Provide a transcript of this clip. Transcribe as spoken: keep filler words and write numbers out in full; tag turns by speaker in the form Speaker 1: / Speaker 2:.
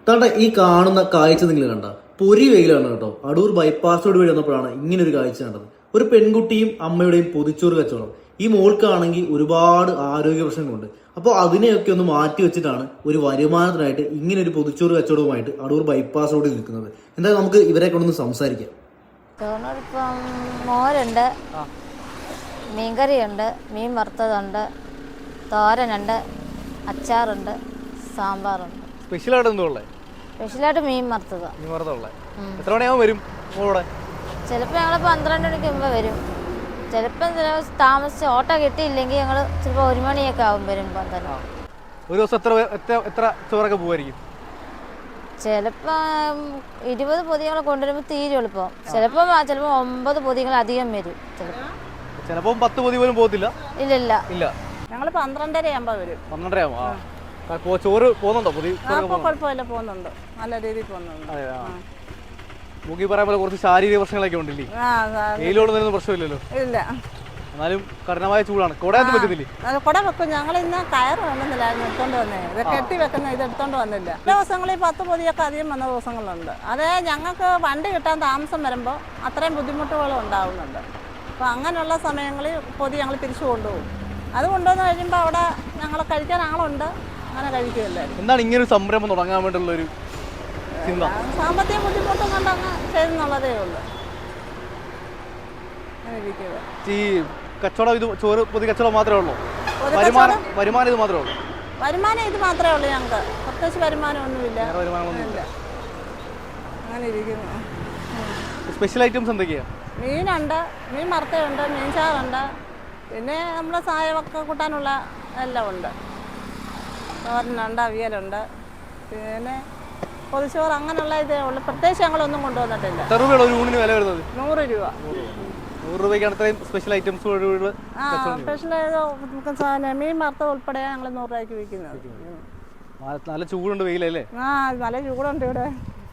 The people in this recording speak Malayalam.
Speaker 1: താണ്ട ഈ കാണുന്ന കാഴ്ച നിങ്ങൾ കണ്ട പൊരി വെയിലാണ് കേട്ടോ. അടൂർ ബൈപ്പാസ് റോഡ് വഴി വന്നപ്പോഴാണ് ഇങ്ങനെ ഒരു കാഴ്ച കണ്ടത്. ഒരു പെൺകുട്ടിയും അമ്മയുടെയും പൊതിച്ചോറ് കച്ചവടം. ഈ മോൾക്കാണെങ്കിൽ ഒരുപാട് ആരോഗ്യ പ്രശ്നങ്ങളുണ്ട്. അപ്പോൾ അതിനെയൊക്കെ ഒന്ന് മാറ്റി വെച്ചിട്ടാണ് ഒരു വരുമാനത്തിനായിട്ട് ഇങ്ങനെ ഒരു പൊതിച്ചോറ് കച്ചവടവുമായിട്ട് അടൂർ ബൈപ്പാസ് റോഡിൽ നിൽക്കുന്നത്. എന്തായാലും നമുക്ക് ഇവരെ കൊണ്ടൊന്ന് സംസാരിക്കാം.
Speaker 2: ചോറിനോടൊപ്പം മോരുണ്ട്, മീൻകറിയുണ്ട്, മീൻ വറുത്തതുണ്ട്, തോരനുണ്ട്, അച്ചാറുണ്ട്, സാമ്പാറുണ്ട്.
Speaker 3: സ്പെഷ്യലായിട്ട് എന്തോ ഉള്ളത്?
Speaker 2: സ്പെഷ്യലായിട്ട് മീൻ വറുത്തത്.
Speaker 3: മീൻ വറുത്തുള്ള എത്ര മണിയാകുമ്പോൾ വരും മോളോടെ?
Speaker 2: ചിലപ്പോൾ ഞങ്ങൾ പന്ത്രണ്ട് മണിക്ക് മുമ്പ് വരും. ചിലപ്പം ചില താമസിച്ച് ഓട്ടോ കിട്ടിയില്ലെങ്കിൽ ഞങ്ങൾ ചിലപ്പോൾ ഒരു മണിയൊക്കെ ആവും വരുമ്പോൾ തന്നെ.
Speaker 3: ഒരു ദിവസം എത്ര എത്ര എത്ര ചോറൊക്കെ പോകുമായിരിക്കും?
Speaker 2: ചിലപ്പോൾ ഇരുപത് പൊതികൾ കൊണ്ടുവരുമ്പോൾ തീരെ എളുപ്പം. ചിലപ്പോൾ ചിലപ്പോൾ ഒമ്പത് പൊതികൾ അധികം വരും. ചിലപ്പോൾ
Speaker 3: ചിലപ്പോൾ പത്ത് പൊതി പോലും പോകത്തില്ല.
Speaker 2: ഇല്ലില്ല
Speaker 3: ഇല്ല,
Speaker 4: ഞങ്ങൾ പന്ത്രണ്ടര ആകുമ്പോൾ വരും.
Speaker 3: പന്ത്രണ്ടര ആകും. ചോറ് പോകുന്നുണ്ടോ? പൊതി
Speaker 4: കുഴപ്പമില്ല, പോകുന്നുണ്ട്, നല്ല രീതിയിൽ പോകുന്നുണ്ട്.
Speaker 3: മുഖി പറയാൻ പോലെ കുറച്ച് ശാരീരിക പ്രശ്നങ്ങളൊക്കെ ഉണ്ടല്ലേ? വെയിലോട് വരുന്ന പ്രശ്നമില്ലല്ലോ.
Speaker 4: ഇല്ല,
Speaker 3: എന്നാലും കഠിനമായ ചൂടാണ്. കുടയൊന്നും പറ്റുന്നില്ലേ?
Speaker 4: കുട വെക്കും. ഞങ്ങൾ ഇന്ന് കയറ് വേണമെന്നില്ലായിരുന്നു എടുത്തോണ്ട് വന്നേ. ഇത് കെട്ടി വെക്കുന്ന ഇത് എടുത്തോണ്ട് വന്നില്ല. ചില ദിവസങ്ങളിൽ പത്ത് പൊതിയൊക്കെ അധികം വന്ന ദിവസങ്ങളുണ്ട്. അതേ ഞങ്ങൾക്ക് വണ്ടി കിട്ടാൻ താമസം വരുമ്പോൾ അത്രയും ബുദ്ധിമുട്ടുകളും ഉണ്ടാകുന്നുണ്ട്. അപ്പോൾ അങ്ങനെയുള്ള സമയങ്ങളിൽ പൊതി ഞങ്ങൾ തിരിച്ചു കൊണ്ടുപോകും. അത് കൊണ്ടുവന്ന് കഴിയുമ്പോൾ അവിടെ ഞങ്ങൾ കഴിക്കാൻ ആളുണ്ട്, അങ്ങനെ കഴിക്കുകയല്ലേ.
Speaker 3: എന്താണ് ഇങ്ങനെ ഒരു സംരംഭം തുടങ്ങാൻ വേണ്ടിയുള്ളൊരു ചിന്ത?
Speaker 4: സാമ്പത്തിക ബുദ്ധിമുട്ടും കൊണ്ട് അങ്ങ് ചെയ്യുന്നുള്ളതേ ഉള്ളൂ.
Speaker 3: ഈ കച്ചവടം ഇത് ചോറ് പൊതി കച്ചവടം മാത്രമേ ഉള്ളൂ? വരുമാനം വരുമാനം ഇത് മാത്രമേ ഉള്ളൂ?
Speaker 4: വരുമാനം ഇത് മാത്രമേ ഉള്ളൂ ഞങ്ങൾക്ക്. പ്രത്യേകിച്ച് വരുമാനമൊന്നുമില്ല.
Speaker 3: വരുമാനമൊന്നുമില്ല.
Speaker 4: അങ്ങനെ ഇരിക്കുന്നു.
Speaker 3: സ്പെഷ്യൽ ഐറ്റംസ് എന്തൊക്കെയാണ്?
Speaker 4: മീനുണ്ട്, മീൻ വറുത്തയുണ്ട്, മീൻ ചാറുണ്ട്, പിന്നെ നമ്മുടെ സായമൊക്കെ കൂട്ടാനുള്ള എല്ലാം ഉണ്ട്. തോരനുണ്ട്, അവിയലുണ്ട്, പിന്നെ പൊതിച്ചോറ്, അങ്ങനെയുള്ള ഇതേ ഉള്ളൂ. പ്രത്യേകിച്ച് ഞങ്ങളൊന്നും കൊണ്ടുവന്നിട്ടില്ല.
Speaker 3: എത്ര രൂപയുള്ള ഒരു ഊണിന് വില വരുന്നത്?
Speaker 4: നൂറ് രൂപ.
Speaker 3: നൂറ് രൂപയ്ക്കാണ് ഇത്രയും സ്പെഷ്യൽ ഐറ്റംസ്.
Speaker 4: ആ സ്പെഷ്യൽ മീൻ വറുത്ത ഉൾപ്പെടെ ഞങ്ങൾ നൂറ് രൂപയ്ക്ക് വിൽക്കുന്നത്.
Speaker 3: നല്ല ചൂടുണ്ട്, വെയിലല്ലേ?
Speaker 4: ആ നല്ല ചൂടുണ്ട് ഇവിടെ.